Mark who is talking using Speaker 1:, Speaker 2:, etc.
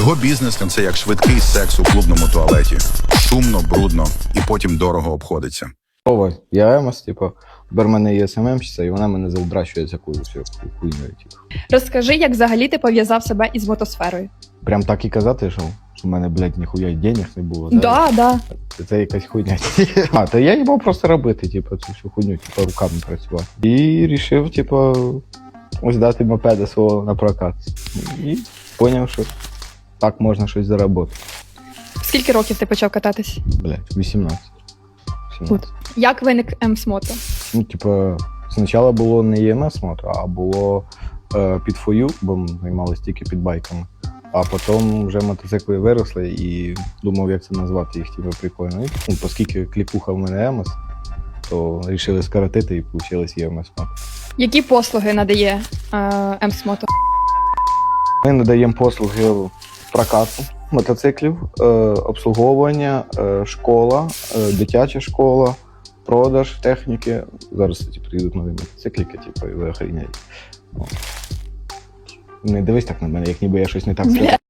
Speaker 1: Його бізнес – це як швидкий секс у клубному туалеті. Шумно, брудно і потім дорого обходиться.
Speaker 2: Я Емос, типу, тепер в мене є СММщиця, і вона мене завдращує за всю хуйню. Типу.
Speaker 3: Розкажи, як взагалі ти пов'язав себе із мотосферою?
Speaker 2: Прям так і казати, що в мене, блядь, ніхуя денег не було.
Speaker 3: Да.
Speaker 2: Це якась хуйня. Та я їбав просто робити, типу, цю всю хуйню, типу, руками працювати. І рішив, типу, ось дати мопеда свого на прокат. І зрозумів, що так можна щось заробити.
Speaker 3: Скільки років ти почав кататись?
Speaker 2: Блядь, 18.
Speaker 3: Як виник Емс-мото?
Speaker 2: Ну, типу, спочатку було не EMS-мото, а було під фою, бо ми займалися тільки під байками. А потім вже мотоцикли виросли і думав, як це назвати їх, типу, прикольно. І, ну, оскільки клікуха в мене Емос, то вирішили скоротити і вийшло EMS-мото.
Speaker 3: Які послуги надає Емс-мото?
Speaker 2: Ми надаємо послуги прокату мотоциклів, обслуговування, школа, дитяча школа, продаж техніки. Зараз, кстати, приїдуть нові мотоцикліки, типу, і ви охріняєте. Не дивись так на мене, як ніби я щось не так сказав.